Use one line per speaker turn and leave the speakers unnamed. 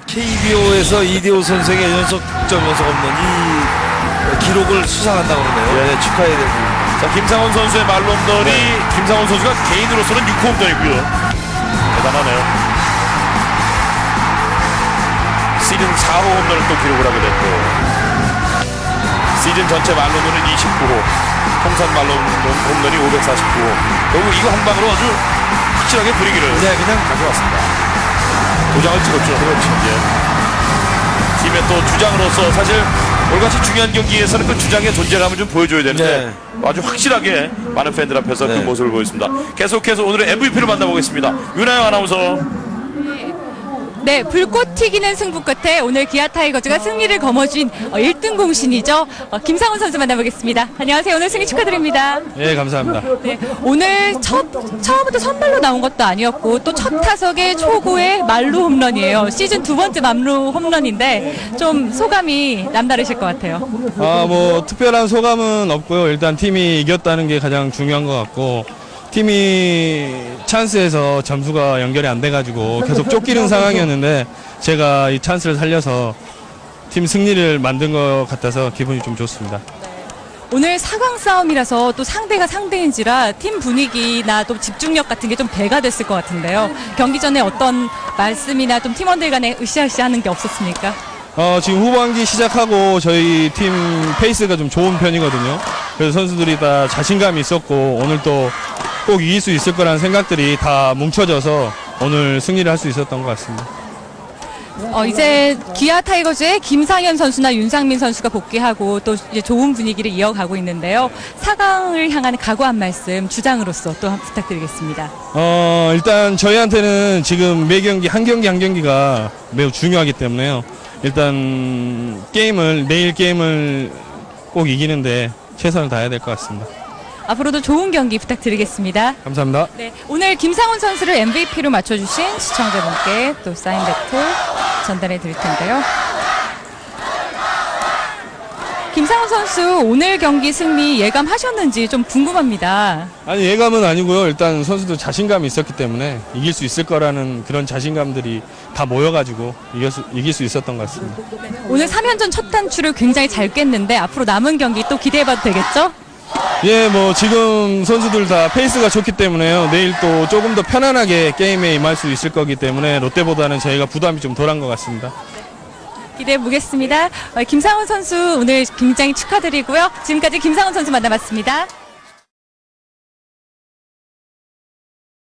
KBO에서 이대호 선생의 연속 득점 연속 없는 이 기록을 수상한다고 그러네요. 네, 축하해야 됩니다.
자, 김상훈 선수의 말로 홈런이 김상훈 선수가 개인으로서는 6호 홈런이고요. 대단하네요. 시즌 4호 홈런을 또 기록을 하게 됐고, 시즌 전체 말로 홈런은 29호, 통산 말로 홈런이 549호. 결국 이거 한 방으로 아주 확실하게 분위기를
그냥
가져왔습니다. 도장을 찍었죠.
그렇죠.
예. 팀의 또 주장으로서 사실 올같이 중요한 경기에서는 그 주장의 존재감을 좀 보여줘야 되는데 아주 확실하게 많은 팬들 앞에서 그 모습을 보였습니다. 계속해서 오늘의 MVP를 만나보겠습니다. 윤하영 아나운서.
네, 불꽃 튀기는 승부 끝에 오늘 기아 타이거즈가 승리를 거머쥔 1등 공신이죠. 김상훈 선수 만나보겠습니다. 안녕하세요. 오늘 승리 축하드립니다.
예, 감사합니다.
네, 오늘 처음부터 선발로 나온 것도 아니었고 또 첫 타석에 초구의 말루 홈런이에요. 시즌 두 번째 말루 홈런인데 좀 소감이 남다르실 것 같아요.
뭐 특별한 소감은 없고요. 일단 팀이 이겼다는 게 가장 중요한 것 같고, 팀이 찬스에서 점수가 연결이 안 돼가지고 계속 쫓기는 상황이었는데 제가 이 찬스를 살려서 팀 승리를 만든 것 같아서 기분이 좀 좋습니다.
오늘 4강 싸움이라서 또 상대가 상대인지라 팀 분위기나 또 집중력 같은 게 좀 배가 됐을 것 같은데요. 경기 전에 어떤 말씀이나 좀 팀원들 간에 으쌰으쌰 하는 게 없었습니까?
지금 후반기 시작하고 저희 팀 페이스가 좀 좋은 편이거든요. 그래서 선수들이 다 자신감이 있었고 오늘 또 꼭 이길 수 있을 거라는 생각들이 다 뭉쳐져서 오늘 승리를 할 수 있었던 것 같습니다.
이제 기아 타이거즈의 김상현 선수나 윤상민 선수가 복귀하고 또 이제 좋은 분위기를 이어가고 있는데요. 4강을 향한 각오 한 말씀 주장으로서 또 부탁드리겠습니다.
일단 저희한테는 지금 매 경기 한 경기가 매우 중요하기 때문에요. 일단 내일 게임을 꼭 이기는데 최선을 다해야 될 것 같습니다.
앞으로도 좋은 경기 부탁드리겠습니다.
감사합니다.
네, 오늘 김상훈 선수를 MVP로 맞춰주신 시청자분께 또 사인 배틀 전달해 드릴 텐데요. 김상훈 선수 오늘 경기 승리 예감하셨는지 좀 궁금합니다.
아니, 예감은 아니고요. 일단 선수도 자신감이 있었기 때문에 이길 수 있을 거라는 그런 자신감들이 다 모여가지고 이길 수 있었던 것 같습니다.
오늘 3연전 첫 단추를 굉장히 잘 깼는데 앞으로 남은 경기 또 기대해봐도 되겠죠?
예, 뭐 지금 선수들 다 페이스가 좋기 때문에요. 내일 또 조금 더 편안하게 게임에 임할 수 있을 거기 때문에 롯데보다는 저희가 부담이 좀 덜한 것 같습니다.
기대해 보겠습니다. 김상훈 선수 오늘 굉장히 축하드리고요. 지금까지 김상훈 선수 만나봤습니다.